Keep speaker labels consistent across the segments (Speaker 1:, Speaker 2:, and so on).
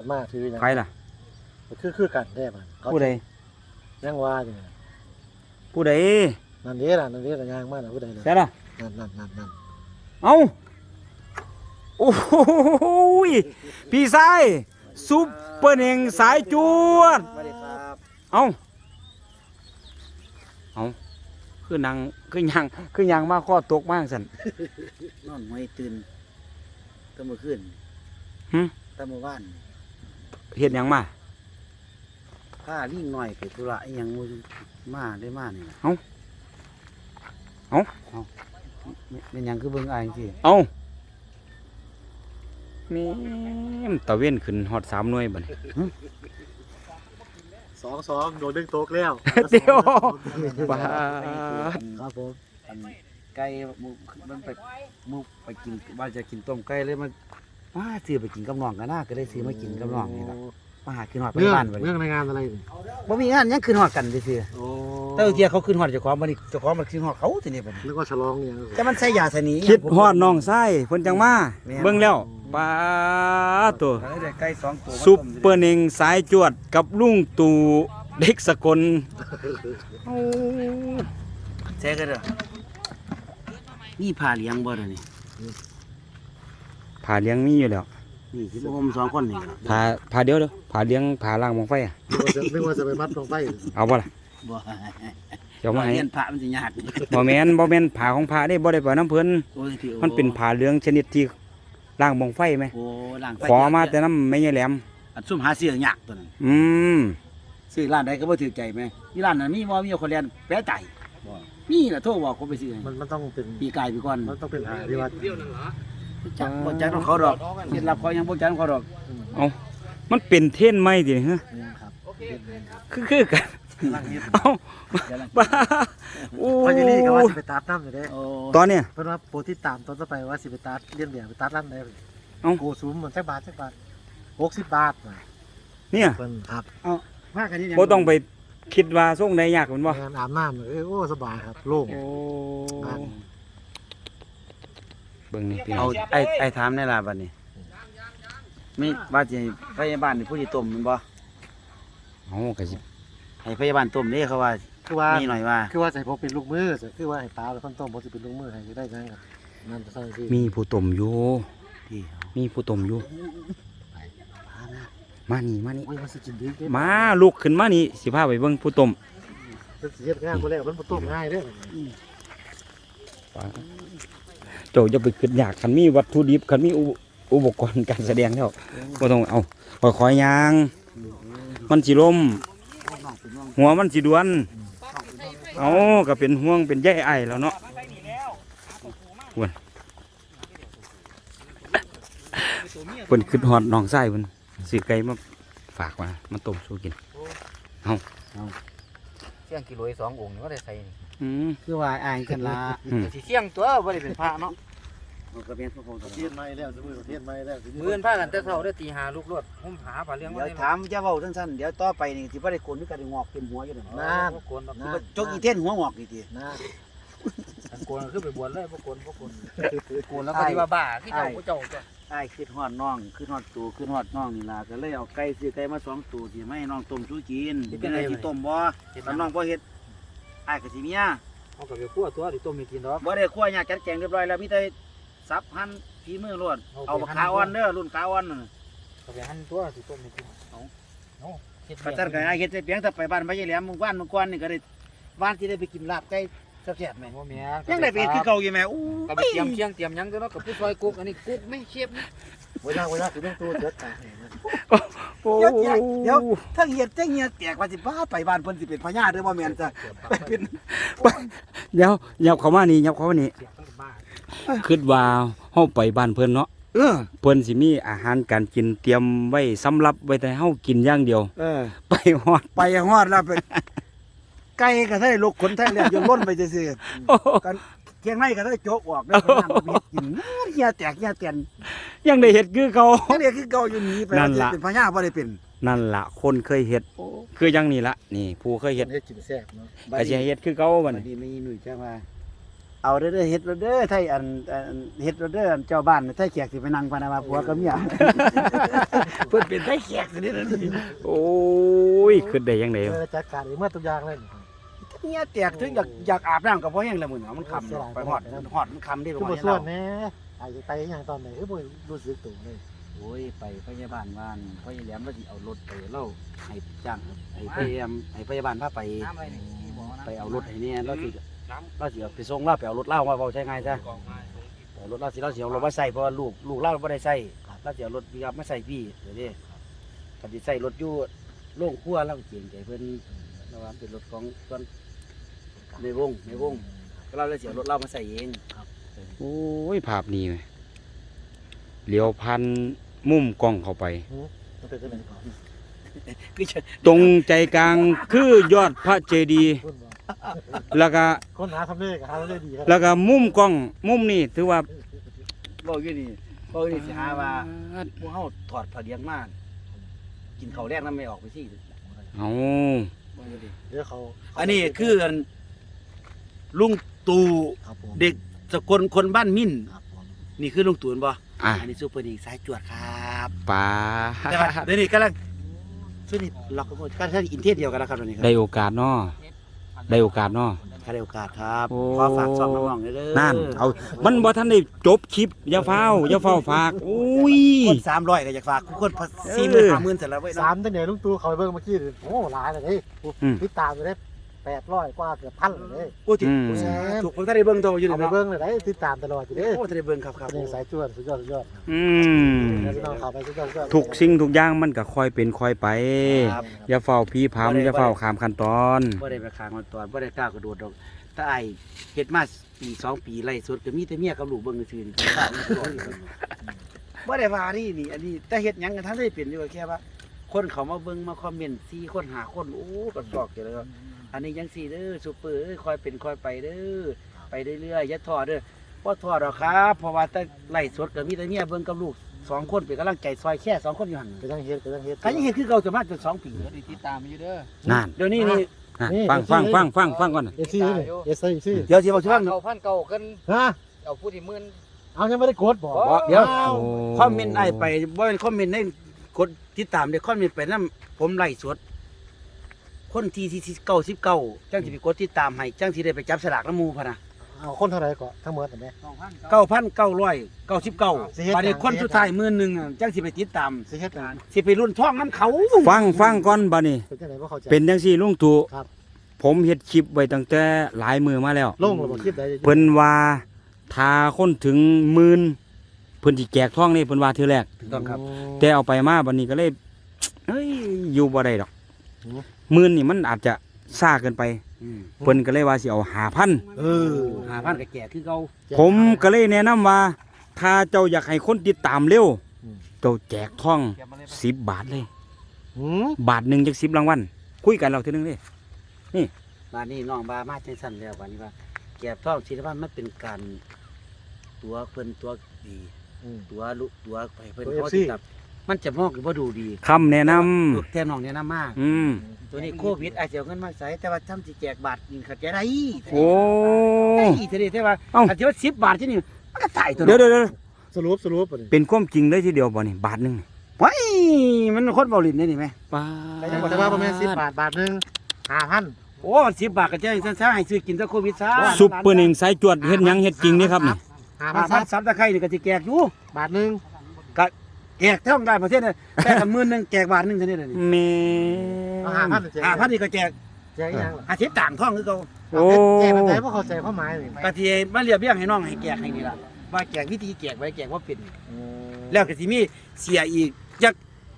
Speaker 1: มาถือยัง
Speaker 2: ใครล่ะ
Speaker 1: คือกันได้ป่ะ
Speaker 2: ผู้ใด
Speaker 1: ยังว่าอยู่
Speaker 2: ผู้ใด
Speaker 1: นั่นเด้ล่ะนั่นเด้ล่ะย่างมาน่ะผู้ใดล่ะ
Speaker 2: ใช่ล่ะ
Speaker 1: นั่น
Speaker 2: เอ้าโอ้โหพี่ชายซุปเปอร์เน่งสายจวด
Speaker 3: สวัสดีครับ
Speaker 2: เอ้าคือนางคือยังมาข้อตกมากสัน
Speaker 3: นอนไม่ตื่นตั้งเมื่อคืน
Speaker 2: หึ
Speaker 3: ตั้งเมื่อวาน
Speaker 2: เห็นยังมา
Speaker 3: ผ้าลิ่งหน่อยไปธุระอิหยังมือมาได้มานี่
Speaker 2: เอ้า
Speaker 3: เป็นหยังคือเบิ่งอายจังซี่
Speaker 2: เอ้านี่ตะเว้นขึ้นฮอด3 หน่วยบัดนี้
Speaker 1: 2-2โดนดึงโต๊ะแล้ว
Speaker 2: เดี๋ยวบาด
Speaker 3: ครับผมอันไก่มันไปกินว่าจะกินต้มไก่เลยมันมาซื้อไปกินกับน้องกันนะก็ได้ซื้อมากินกับน้องนี่ล่ะมาหาขึ้นฮอดไป
Speaker 1: เรื่อง
Speaker 3: บ้านบัด
Speaker 1: เรื่
Speaker 3: นี้
Speaker 1: องในงานอะไรนี่
Speaker 3: บ่มีงานหยังขึ้นฮอดกันซื่อ
Speaker 1: โอ้
Speaker 3: ๆแต่เที่ยเขาขึ้นฮอดเจ้าของบัดนี้เจ้าของมันขึ้นฮอดเขาทีนี้บัดนี้
Speaker 1: นึกว่าฉลองเนี่ย
Speaker 3: แต่มันใส่ยาสนี
Speaker 2: คิดฮอดน้องชายเพิ่นจังมา
Speaker 3: แม่น
Speaker 2: เบิ่งแล้วปาดตัว
Speaker 3: ก็เลยได้ไก่2ตัวมา
Speaker 2: ซุป
Speaker 3: ต้ม
Speaker 2: เปอร์เน่งสายจวดกับลุงตู่เด็กสกล
Speaker 3: แช่กันเด้อนี่ผ่าเลี้ยงบ่ล่ะนี่
Speaker 2: ผ่าเลี้ยงมีอยู่แล้ว
Speaker 3: นี่สิบ่ผม2คนนี่ล่ะ
Speaker 2: ผ่าเดียวผ่าเลี้ยงผ่าล่างมองไฟอ่ะ
Speaker 1: นึกว่าจะไปมัดลงไป
Speaker 2: เอาบ่ล่ะ
Speaker 3: บ่
Speaker 2: เดี๋ยวมาให้
Speaker 3: เรียนพระมันสิยาก
Speaker 2: บ่แม่นผ่าของผ่าได้บ่ได้ปล่อยน้ำเพิ่น
Speaker 3: โอ้ยพี่โอ้
Speaker 2: มันเป็นผ่าเหลืองชนิดที่ล่างมองไฟไหม
Speaker 3: โอ้ล้างไฟ
Speaker 2: ขอมาแต่น้ำไม่ใช่แหลม
Speaker 3: อันซุ่มหาซื้อยากตัวนั้น
Speaker 2: อืม
Speaker 3: ซื้อร้านใดก็บ่ถือใจแม่ที่ร้านนั้นมีบ่มีคนเรียนแปะใจมีล่ะโทรบอกเขาไปซื้อให้
Speaker 1: มันต้องเป็น
Speaker 3: ปีกายปีก่อน
Speaker 1: มันต้องเป็นหาที่ว่า
Speaker 3: จักบ่จักของเขาดอกเคล็ดลับเขายังบ่จักของเขาดอก
Speaker 2: มันเป็นเท่นไหมดิฮะ
Speaker 1: ครับ
Speaker 2: คือกัน
Speaker 1: ลังเฮ็ด
Speaker 2: เอ้าบ้าโอ้
Speaker 1: พอจะรีก็ว่าสิไปตัดน้ำอยู่เด้
Speaker 3: โอ้
Speaker 2: ตอนเนี้ย
Speaker 1: เพิ่นว่าโปรที่ตามตอนต่อไปว่าสิไปตัดเลี้ยงเดี่ยวไปตัดร้านใด
Speaker 2: เอ้า
Speaker 1: โกซูมมันจักบาท60 บาทน่ะ
Speaker 2: เนี่ย
Speaker 1: เพิ่นครับ
Speaker 3: พากันนี่
Speaker 2: บ่ต้องไปคิดว่าส่งได้ยากแม่นบ่
Speaker 1: งานอาบน้ำเลยโอ้สบายครับโล่ง
Speaker 2: โอ้
Speaker 1: บ้าน
Speaker 2: เบิ่งนี่พี่น้
Speaker 3: เอา
Speaker 2: อง
Speaker 3: ไอ้ถามในล่ะบัดนี้มีว่าสิพยาบาลนี่ผู้ที่ต้มแม่นบ่
Speaker 2: เอาก็สิ
Speaker 3: ให้พยาบาลต้มเด้เขาว่า
Speaker 1: คือว่า
Speaker 3: มีหน่อยว่า
Speaker 1: คือว่าใส่ผมเป็นลูกมือคือว่าให้ตาเป็นคนต้มผมสิเป็นลูกมือให้ได้จังครับนั่นจะใช่ที่
Speaker 2: มีผู้ต้มอยู่
Speaker 3: ที่
Speaker 2: มีผู้ต้มอยู่ มานี่
Speaker 1: โอ้ยมันสิกินดีเด้
Speaker 2: มาลุกขึ้นมานี่สิพาไปเบิ่งผู้ต้ม
Speaker 1: มันสิเฮ็ดงานบ่แล้วมันบ่ต้มง่ายเด้อ
Speaker 2: เจ้าจะไปคิดยากคันมีวัตถุดิบคันมีอุปกรณ์การแสดงแล้วบ่ต้องเอาค่อยๆย่าง มันสิล้มหัวมันสิดวน เอาก็เป็นห่วงเป็นใยไอายแล้วเนาะเพิ่นคิดฮอดน้องชายเพิ่นซื้อไก่มาฝากมาต้มสู้กิน
Speaker 4: เสี่ยงกิโล2 องค์นี่ก็ได้ใส่นี่
Speaker 2: อืม
Speaker 3: คือว่าอ้ายกันละ
Speaker 4: สิเสี่ยงตัวบ่ได้เป็นพระเนาะ
Speaker 3: มันก็เป็นพระโพธิ์
Speaker 1: เทียนไม้แล้วสมมุติเทียนไม้แล้ว
Speaker 4: มื้ออนพากันแต่เช้าได้ตี5ลูกรถผมหาปลาเลี้ยงมา
Speaker 3: เดี๋ยวถามจะเว้าสั้นๆเดี๋ยวต่อไปนี่สิบ่ได้โกนคือกันงอกเต็มหัวอยู่นั่น
Speaker 4: นะบ่โกนดอก
Speaker 3: สิบ่จกอีเท่นหัวงอกนี่ติ
Speaker 1: นะ
Speaker 4: กันโกนคือไปบวชเลยบ่โกนโกนแล้วก็สิว่าบ้าคือเจ้าผู้เจ้าจ้ะ
Speaker 3: อ้ายคิดฮอดน้องคิดฮอดตู่คิดฮอดน้องนี่ล่ะก็เลยเอาไก่ซื้อไก่มา2ตัวสิมาให้น้องต้มสู้กินเป็นไงสิต้มบ่ถ้าน้องบ่เฮ็ดอ้ายก็สิเมีย
Speaker 4: เอาก็ไปคั่วตัวดิต้มให้กินดอก
Speaker 3: บ่ได้คั่วยากจัดแจงเรียบร้อยแล้วมีแต่สับหั่นฝีมือล้วนเอาบักขาอ่อนเด้อรุ่นขาอ่อนนั่น
Speaker 4: ก็ไปหั่นตัวสิต้มให้กินเอาเฮ็ด
Speaker 3: กระตันก็อ้ายเฮ็ดแต่เพียงแต่ไปบ้านพญาแหลมมื้อวานเมื่อก่อนนี่ก็ได้บ้านที่ได้ไปกินลาบไก่แซ่บๆแม่
Speaker 4: บ่แม่
Speaker 3: ยังได้ไปเฮ็ดคือเก่าอยู่แม่อู้
Speaker 4: ก็ไปเตรียมเชียงเตรียมหยังตัวเนาะกับผู้ซอยกุ๊กอันนี้กุ๊กไม่เชฟนะ
Speaker 1: เวลาคือต้องตัวเด็ดตา
Speaker 2: โอ้
Speaker 3: เดี๋ยวถ้าเฮ็ดจังเฮียแตกว่าสิบ้าไปบ้านเพิ่นสิเป็นพญาเด้อบ่แม่นจ้ะเป็น
Speaker 2: เดี๋ยวยับเข้ามานี่ยับเข้ามานี่
Speaker 4: เสียทั้งบ้า
Speaker 2: คิดว่าเฮาไปบ้านเพิ่นเนาะ
Speaker 3: เออ
Speaker 2: เพิ่นสิมีอาหารการกินเตรียมไว้สำหรับไว้แต่เฮากินอย่างเดียว
Speaker 3: เออ
Speaker 2: ไปฮอด
Speaker 3: ไปฮอดแล้วเป็นไก่ก็ได้ลูกขนแท้เรียนจนล้นไปซื่อๆกันเคียงในก็ได้โจกออกได้พญาบ่เฮ็ดกินเฮียแตกเฮียเตียน
Speaker 2: ยังได้เฮ็ดคือเขา
Speaker 3: ยังเรียกคือเก่าอยู่หนีไป
Speaker 2: นั่นล่ะ
Speaker 3: เป็นพญาบ่ได้เป็น
Speaker 2: นั่นล่ะคนเคยเฮ็ดคือจังนี่ล่ะนี่ผู้เคยเฮ็ด
Speaker 1: เฮ็ดกินแซ่บเนาะ
Speaker 2: ก็สิให้เฮ็ดคือเก่าบัด
Speaker 3: วัน
Speaker 2: นี้
Speaker 3: นี้ไม่หนุ่ยจ้าว่าเอาเด้อเฮ็ดเด้อไทยอันเฮ็ดเด้อเจ้าบ้านไทยแขกสิไปนั่งปานาว่าผัวกับเมีย เพิ่นเป็นไทยแขกสิเด้อนี่
Speaker 2: โอ้ยขึ้นได้ยังไง
Speaker 1: จัดการเองเมื่อทุกอย่างเลย
Speaker 3: เมียแตกถึงอยากอาบน้ำก็บ่แห้งแล้วมื้อนี้มันค่ำไปฮอดมันค่ำเด้
Speaker 1: คือ
Speaker 3: บ่
Speaker 1: บ่ส่วนแน่ไปอย่างตอนไหนคือบ่รู้สึกตัวเลย
Speaker 3: โอ้ยไปพยาบาลบ้านพ่อใหญ่แหลมว่าสิเอารถไปเล่าให้จ้างให้พยาบาลพาไป
Speaker 4: น้ำอะไรนี่บ่น้ำ
Speaker 3: ไปเอารถให้เนี่ยเราสิเอาไปส่งเราไปเอารถเล่ามาเว้าใช้ง่ายซะเอารถเราสิเอารถมาใส่เพราะว่าลูกเราบ่ได้ใส่เราสิเอารถปิกอัพมาใส่พี่เดี๋ยวนี้ก็สิใส่รถอยู่โรงครัวเราเกรงใจเพิ่นเราว่าเป็นรถของส่วนในวงก็เราเลยสิเอารถเรามาใส่เอง
Speaker 2: โอ้ยภาพนี้ไหมเลี้ยวพันมุมกล้องเข้าไป
Speaker 1: มันเป็นจังได๋ก่อน
Speaker 3: คือจะ
Speaker 2: ตรงใจกลางคือยอดพระเจดีย์
Speaker 1: คุณบ่
Speaker 2: แล้วก็
Speaker 1: คนหาทำเลขหาได้ดีครับ
Speaker 2: แล้วก็มุมกล้องมุมนี่ถือว่า
Speaker 3: เว้าอยู่นี่สิหาว่าพวกเฮาถอดผ้าเลี้ยงมากินข้าวแรกนำไม่ออกไปสิ
Speaker 2: เอา
Speaker 3: เว้าอยู่ดิ
Speaker 1: เดี๋ยวเขา
Speaker 3: อันนี้คือลุงตู่
Speaker 1: ครับผม
Speaker 3: เด็กสกลคนบ้านมิ่น
Speaker 1: ครับผม
Speaker 3: นี่คือลุงตู่บ่
Speaker 2: อ่ะ
Speaker 3: อันนี้ซูเปอร์นิกสายจวดครับ
Speaker 2: ป้า
Speaker 3: แต่ว่าเดี๋ยวนี้กำลังสุดนี่ล็อกกันหมดการใช้อินเทอร์เดียวกันแล้วครับตอนนี้ครั
Speaker 2: ได้โอกาสเนาะได้โอกาสเนาะ
Speaker 3: ถ้าได้โอกาสครับ
Speaker 2: โอ้
Speaker 3: ขอฝากซ่องน้องๆเลยเด้อ
Speaker 2: นั่นเอามันบ่ทันได้จบคลิปอย่าเฝ้าฝากอุ้ย
Speaker 3: คน300ก็อยากฝากคน40,000 50,000เสร็จแล้วเว้ย
Speaker 1: สา
Speaker 3: เนาะ
Speaker 1: มตั้งแต่ลุงตู่เขาไปเบิ่งเมื่อกี้โอ้หลายเลยเด้ติดตามไปได้800กว่าเกือบพันเลย
Speaker 3: โอ้ติถูกผมถ้าได้เบิ่งโตอยู่
Speaker 1: เอา
Speaker 3: นี่
Speaker 1: ไป
Speaker 3: เนาะ
Speaker 1: เบิ่งเลยได้ติดตามตลอดอยู่เด้
Speaker 3: โอ้ถ้าได้เบิ่งครับครับ
Speaker 1: นี่สายจวดสุดยอด
Speaker 2: อืม
Speaker 1: พี่น้องเข้าไปสุดยอด
Speaker 2: ทุกสิ่งทุกอย่างมันก็ค่อยเป็นค่อยไป
Speaker 3: ครับ
Speaker 2: อย่าเฝ้าพี่พามอย่าเฝ้าข้ามขั้นตอน
Speaker 3: บ่ได้ไปค้างมันตอนบ่ได้กล้ากระโดดดอกถ้าไอ้เฮ็ดมาปี2ปีไล่สุดก็มีแต่เมียกับลูกเบิ่งซื่อๆนี่ข้าวมันร้อนอยู่บ่ได้ว่านี่อันนี้แต่เฮ็ดหยังกันทั้งได้เป็นอยู่ก็แค่ว่า คนเขามาเบิ่งมาคอมเมนต์4คน5คนโอ้ก็ซอกอยู่แล้วอันนี้ยัง4เด้อซุปเปอร์เอ้ยคอยเป็นคอยไปเด้อไปเรื่อยๆอย่าท้อเด้อบ่ท้อดอกครับเพราะว่าแต่ไล่สดก็มีแต่เมียเบิ่งกับลูก2คนเป็นกำลังใจซอยแค่2คนอยู่หั่น
Speaker 1: ไปตั้งเฮ็ด
Speaker 3: คันยังเฮ็ดคือเก่าจะมาจน2ปี
Speaker 4: เดี๋ยวติดตามอยู่เด้อ
Speaker 2: นั่น
Speaker 3: เดี๋ยวนี้นี่
Speaker 2: ฟังก่อน
Speaker 1: เอซี่นี่เอซี่
Speaker 3: เดี๋ยวสิบอกสิว่า
Speaker 4: เอาพันเก่ากัน
Speaker 1: ฮะ
Speaker 4: เอาผู้ที่มื่น
Speaker 1: เอายังไม่ได้กดบ่
Speaker 3: เดี๋ยว
Speaker 2: โอ้
Speaker 3: คอมเมนต์ไอ้ไปบ่เป็นคอมเมนต์ในกดติดตามเด้คอมเมนต์ไปนำผมไล่สดคนที่99จังสิไปกดติดตามให้จังสิได้ไปจับสลากนำหมู่พะนะ
Speaker 1: เอาคนเท่าไหร่ก่อนทั้งหมดนั่นแหละ
Speaker 3: 9,999บัดนี้คนสุดท้าย10,000อะจังสิไปติดตาม
Speaker 1: สิเฮ็ดกัน
Speaker 3: สิไปรุ่นท้องน้ำเขา
Speaker 2: ฟังก่อนบัดนี้
Speaker 1: เป็นจังได๋บ่เข้าใจ
Speaker 2: เป็นจังซี่ลุงตู่
Speaker 1: ครับ
Speaker 2: ผมเฮ็ดคลิปไว้ตั้งแต่หลายมือมาแล้ว
Speaker 1: ลงแล้วบ่คลิปใด
Speaker 2: เพิ่นว่าถ้าคนถึง10,000เพิ่นสิแจกทองนี่เพิ่นว่าเทื่อแรก
Speaker 3: ถูกต้องครับ
Speaker 2: แต่เอาไปมาบัดนี้ก็เลยเอ้ยอยู่บ่ได้ดอก
Speaker 1: อืม
Speaker 2: 10,000นี่มันอาจจะซ่าเกินไป เพิ่นก็เลยว่าสิเอา5,000
Speaker 3: 5,000ก็แก่คือเก่า
Speaker 2: ผมก็เลยแนะนำว่า ถ้าเจ้าอยากให้คนติดตามเร็วเจ้าแจกทอง10 บาทเลย
Speaker 1: หืม
Speaker 2: บาทหนึงจัก10รางวัลคุยกันเราทีนึงเด้
Speaker 3: บัดนี้น้องบามาจังซั่นแล้วบัดนี้ว่าแก่ท้องศิลปะมันเป็นการตัวเพิ่นตัวดี ตัวลุตัวไปเพิ่นเขาติดตับมันจะมองหรือว่าดูดี
Speaker 2: คำแนะนำ
Speaker 3: แทนน้องเนี่ยนะมาก
Speaker 2: อืม
Speaker 3: ตัวนี้โควิดอาจจะเอาเงินมาใส่แต่ว่าทำสิแจกบาทยิงขัดใจไร
Speaker 2: โอ้
Speaker 3: ไอ้ทีนี้แต่ว่า
Speaker 2: เอ้า
Speaker 3: อาจจะว่า10 บาทที่นี่มันก็ตายตัว
Speaker 2: เดี๋ยว
Speaker 1: สรุปบ่นี่
Speaker 2: เป็นความจริงเลยทีเดียวบ่นี่บาทหนึง
Speaker 3: ไว้มันคนเบาลิ้นได้นี่ไหม
Speaker 2: ป้า
Speaker 1: แต่ยังบ่ได้ว่าประมาณ10 บาทบาทนึง 5,000
Speaker 3: โอ้มัน10 บาทก็จะซะให้ซื้อกินซะโควิดซะ
Speaker 2: ซุปเปอร์หนึ่งสายจวดเฮ็ดหยังเฮ็ดจริงนี่ครับนี่
Speaker 1: 5,000
Speaker 3: 5,000ซับตะไคร้นี่ก็สิแจกอยู่
Speaker 1: บาทนึง
Speaker 3: แจกเท่าได้ประเทศน่ะแต่ละมื้อนึงแจกบาทนึงเท่านี้น่ะนี่
Speaker 2: แม่
Speaker 1: เอา5,000แจก
Speaker 3: 5,000นี่ก็แจก
Speaker 1: แจกอีหยังล่ะ
Speaker 3: อาทิตย์ต่างท่องคือเก่า
Speaker 2: โอ้
Speaker 1: แจกแบบไหนบ่เข้าใจความหมายนี่
Speaker 3: ก็ที่มาเรียบเรียงให้น้องให้แจกให้นี่ล่ะว่าแจกวิธีแจกไว้แจกว่าเป็น แล้วก็สิมีเสียอีกจัก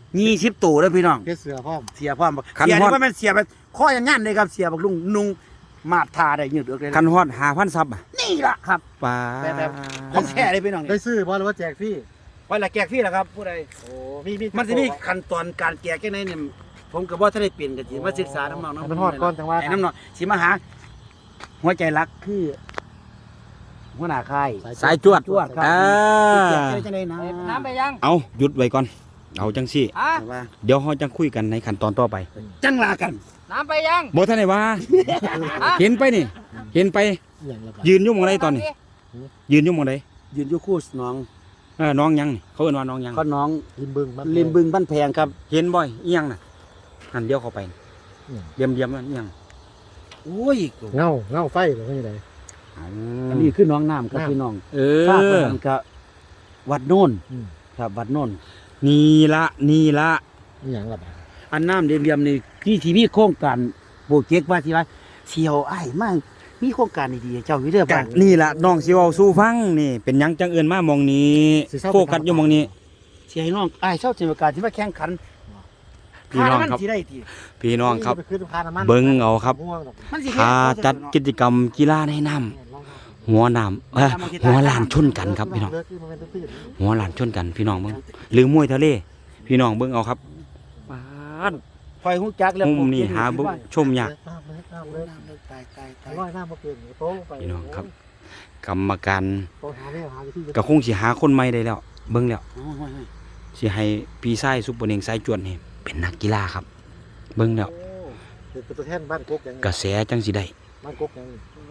Speaker 3: 20ตัวเด้อพี่น้อง
Speaker 1: เฮ็ดเสือพร้อม
Speaker 3: เสียพร้อมบ่เสียนี่ว่ามันเสียแบบข้อยังงั้นเลยครับเสียบักลุงนุ่งมาดทาได้ยืดเอือกเลย
Speaker 2: คันฮอด5,000ซับอะ
Speaker 3: นี่ล่ะครับ
Speaker 2: ป้า
Speaker 3: แบบของแท้เลยพี่น้อง
Speaker 1: ได้
Speaker 3: นี่
Speaker 1: ซื้อบ่หรือว่าแจกฟรี
Speaker 3: ไว้ละแจกฟรีล่ะครับผู้ใด
Speaker 1: โอ้มี
Speaker 3: มันสิมีขั้นตอนการแจกจังไดเนี่ยผมก็บ่ทันได้เปลี่ยนก็สิมาศึกษาน้องๆ
Speaker 1: ให้มันฮอดก่อนจังว่า
Speaker 3: ไอ้น้องๆสิมาหา หัวใจรักคือหัวหน้าค่าย
Speaker 2: สายจวด
Speaker 3: จวดครับ
Speaker 2: อ่า
Speaker 3: แจกได้จังได๋นะ
Speaker 4: น้ำไปยัง
Speaker 2: เอาหยุดไว้ก่อนเอาจังซี่
Speaker 4: อ่ะ
Speaker 3: ว่า
Speaker 2: เดี๋ยวเฮาจังคุยกันในขั้นตอนต่อไป
Speaker 3: จังลากัน
Speaker 4: น้ำไปยัง
Speaker 2: บ่ทันได้ว่า เห็นไปนี่เห็นไป
Speaker 1: อย่างละบาท
Speaker 2: ยืนอยู่หมองใดตอนนี้ ยืนอยู่หมองใด
Speaker 3: ยืนอยู่คู่น้อง
Speaker 2: น้องยังนี่เขาเอิ้นว่าน้องยัง
Speaker 3: ก็น้อง
Speaker 1: ริมบึงบ้าน
Speaker 3: ริมบึงบ้านแพงครับ
Speaker 2: เห็นบ่อยอีหยังน่ะหันเดียวเข้าไป
Speaker 1: อืม
Speaker 2: เดียมนั่นอีหยัง
Speaker 3: โอ้ย
Speaker 1: เงาไฟหรือว่าไง
Speaker 3: อันนี้คือน้องน้ำครับพี่น้อง
Speaker 2: เอ
Speaker 3: ทราบ
Speaker 2: อ
Speaker 3: ว่ามันก็วัดโน่น
Speaker 1: อืม
Speaker 3: ครับวัดโน่น
Speaker 2: นี่ละ
Speaker 1: อย่างละบาท
Speaker 3: อันน้ำเดียมๆนี่ที่ทีวีโครงการโปรเจกต์ว่าที่ว่าเสียวไอ้ายมากมีโครงการดีๆเจ้าอยู่เด้อ
Speaker 2: กั
Speaker 3: บ้าน
Speaker 2: นี่ละน้องสิเว้าสู่ฟังนี่ เป็นหยังจังเอิ้นมาหมองนี้โฟกัสอยู่หมองนี้
Speaker 3: เสียให้น้องไอ้ายเศร้าเจรการที่มาแข่งขัน
Speaker 2: พี่น้องครับ
Speaker 3: มันสิได้ที
Speaker 2: พี่น้องครับ
Speaker 1: ไปขึ้นพาน้ำมัน
Speaker 2: เบิ่งเอาครับ
Speaker 1: ม่วงดอก
Speaker 3: มันสิ
Speaker 2: ถ้าจัดกิจกรรมกีฬาในน้ำหัวน้ำหัวลานชนกันครับพี่น้อง
Speaker 1: เลิกที่มันเป็นตื้น
Speaker 2: หัวลานชนกันพี่น้องเบิ่งหรือมวยทะเล พี่น้องเบิ่งเอาครับปาด
Speaker 3: คอยฮู้จักแล้ว
Speaker 2: มุมนี้หาเบิ่งชมยาก
Speaker 1: น้ำเลิก
Speaker 3: ตาย
Speaker 1: ร้อยน้ำมาเปลี่ยนโต๊ะไป
Speaker 2: พี่น้องครับ กรรมการ
Speaker 1: โต๊ะหาเรื่องหาวิธี
Speaker 2: ก็คงสิหาคนใหม่ได้แล้ว เบิ่งแล้ว
Speaker 3: โอ้ย
Speaker 2: สิให้พี่ชายซุปเปอร์เน่งสายจวนนี่เป็นนักกีฬาครับ เบิ่งแล้ว
Speaker 1: เป็นตัวแทนบ้านกกยัง
Speaker 2: กระแสจังสิได้
Speaker 1: บ้านกกยัง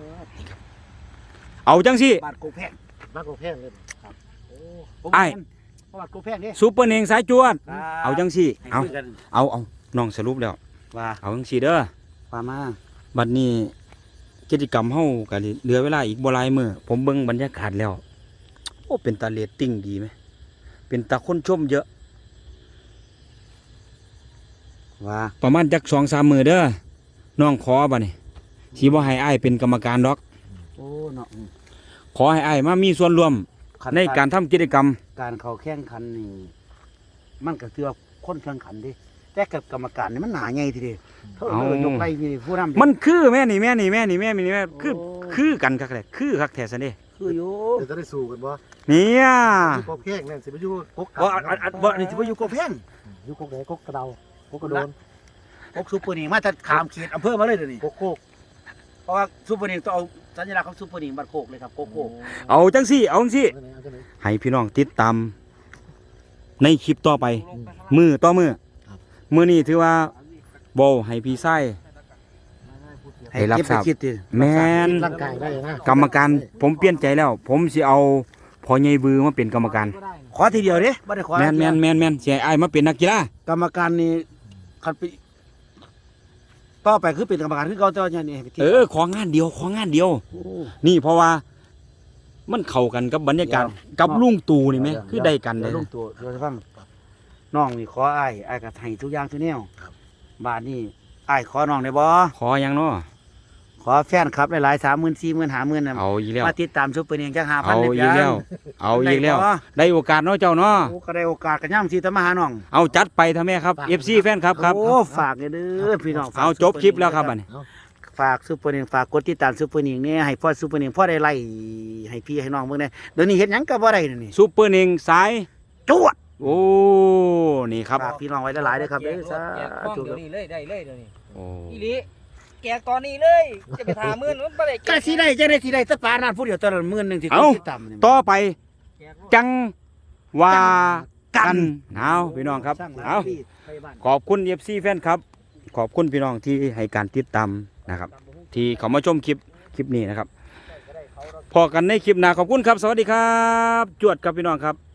Speaker 2: เอาจังสิ
Speaker 3: บาทโกแพง
Speaker 1: บ้านกกแพงเลยครับ
Speaker 2: อ้าย
Speaker 3: บาทโกแพงนี่
Speaker 2: ซุปเปอร์เน่งสายจวน เอาจังสิเอาน้องสรุปแล้ว
Speaker 3: ว่า
Speaker 2: เอาจังสิเด้อ
Speaker 3: ว่ามา
Speaker 2: บัดนี้กิจกรรมเฮาก็เหลือเวลาอีกบ่หลายมื้อผมเบิ่งบรรยากาศแล้ว โอ้เป็นตาเรตติ้งดีไหมเป็นตาคนชมเยอะ
Speaker 3: ว่า
Speaker 2: ประมาณจัก 2-3 มื้อเด้อน้องขอบัดนี้สิบ่ให้อ้ายเป็นกรรมการดอก
Speaker 3: โอ้เนาะ
Speaker 2: ขอให้อ้ายมามีส่วนร่วมในการทำกิจกรรม
Speaker 3: การเข้าแข่งขันนี่มันก็คือว่าคนแข่งขันดิแต่กับกรรมการนี่มันหนาใหญ่ทีเดียวเท่ายกไล่มีผู้นำ
Speaker 2: มันคือแม่นี่คือกันคักแหละคือคักแท้ซั่นเด้
Speaker 3: คืออยู่
Speaker 1: เดี๋ยวจะได้สู้กันบ่
Speaker 2: เนี่ย
Speaker 1: กกแพงเนี่ยสิไปอยู่กก
Speaker 3: บ่นี่สิบ่อยู่โกแพง
Speaker 1: อยู่กกไหนกกกระเดากกกระโดน
Speaker 3: พวกซูเปอร์นี่มาแต่ขามเขตอำเภอมาเลยเดี๋ยวนี้
Speaker 1: กกโคก
Speaker 3: เพราะว่าซูเปอร์นี่ต้องเอาสัญลักษณ์ของซูเปอร์นี่บัดโคกเลยครับโกโก้
Speaker 2: เอาจังสิ
Speaker 1: เอาจังไหน
Speaker 2: ให้พี่น้องติดตามในคลิปต่อไป มือต่อมือ
Speaker 1: ครับ
Speaker 2: มือนี้ถือว่าบ่ให้พี่ชาย ให้รับทราบ
Speaker 3: คิดดิ
Speaker 2: แม่น
Speaker 1: ร่างกายได้นะ
Speaker 2: กรรมการผมเปลี่ยนใจแล้ว ผมสิเอาพอใหญ่บือมาเป็นกรรมการ
Speaker 3: ขอทีเดียวเด้บ่ได้ขอ
Speaker 2: แม่นสิให้อ้ายมาเป็นนักกีฬาก
Speaker 3: รรมการนี่คันไปต่อไปคือเป็นกรรมการคือเก่าแต่ว่าเนี่ยนี่
Speaker 2: ของานเดียว
Speaker 3: โอ้
Speaker 2: นี่เพราะว่ามันเข้ากันกับบรรยากาศ
Speaker 3: เดี๋ยว
Speaker 2: กับลุงตู่นี่ไหมคือได้กันเลย
Speaker 3: ดี๋วลงตัวเดี๋ยวจะฟังน้องนี่ขออ้ายก็ให้ทุกอย่างทุกแนวบาทนี่อ้ายขอน้องได้บ่
Speaker 2: ขออย่างเนาะ
Speaker 3: ขอแฟนครับหลายๆ 30,000 40,000 50,000น่ะ
Speaker 2: เอาอีกแล้ว
Speaker 3: มาติดตามซุปเปอร์เนียงจัก 5,000
Speaker 2: เอาอีกแล้ว เอาอีกแล้ว
Speaker 3: ได้บ่
Speaker 2: ได้โอกาสเนาะเจ้าเนาะ
Speaker 3: โอ้ก็ได้โอกาสกันย่ำสิตามมาหาน้อง
Speaker 2: เอาจัดไปทำแม่ครับ FC แฟนครับครับ
Speaker 3: โอ้ฝากเด้อพี่น้องฝก
Speaker 2: เอาจบคลิปแล้วครับบัดนี้
Speaker 3: ฝากซุปเปอร์เนียงฝากกดติดตามซุปเปอร์เนียงเนี่ยให้พ่อซุปเปอร์เนียงพ่อได้ไล่ให้พี่ให้น้องเบิ่งได้เดี๋ยวนี้เฮ็ดหยังก็บ่ได้นี่
Speaker 2: ซุปเปอร์เน่งสาย
Speaker 3: จวด
Speaker 2: โอ้ นี่ครับ
Speaker 3: ฝากพี่น้องไว้หลายๆเด้อครับเด้อสา
Speaker 4: แจกของ
Speaker 3: ธุ
Speaker 4: เดี๋ยวนี้เลยได้เลยเดี๋ยวนี้
Speaker 2: โอ้
Speaker 4: อีหลีแจกตอนนี้เลยจะไปถามมื้อมันบ่ได้แจ
Speaker 3: ก็
Speaker 4: ก
Speaker 3: สิได้จังได๋สิได้แตะปานนั้นผู้เดียวตอนละ10,000ที่
Speaker 2: เอ้า
Speaker 3: ติดตามนี่
Speaker 2: ต่อไป
Speaker 4: แจก
Speaker 2: จังว่ากันเอาพี่น้องครับ
Speaker 3: สร้างหลาย
Speaker 2: เอา
Speaker 3: ปีไปบ้าน
Speaker 2: ขอบคุณ FC แฟนครับ ขอบคุณพี่น้องที่ให้การติดตามนะครับ ที่เขามาชมคลิปนี้นะครับ พอกันในคลิปหน้าขอบคุณครับ สวัสดีครับ จวดครับพี่น้องครับ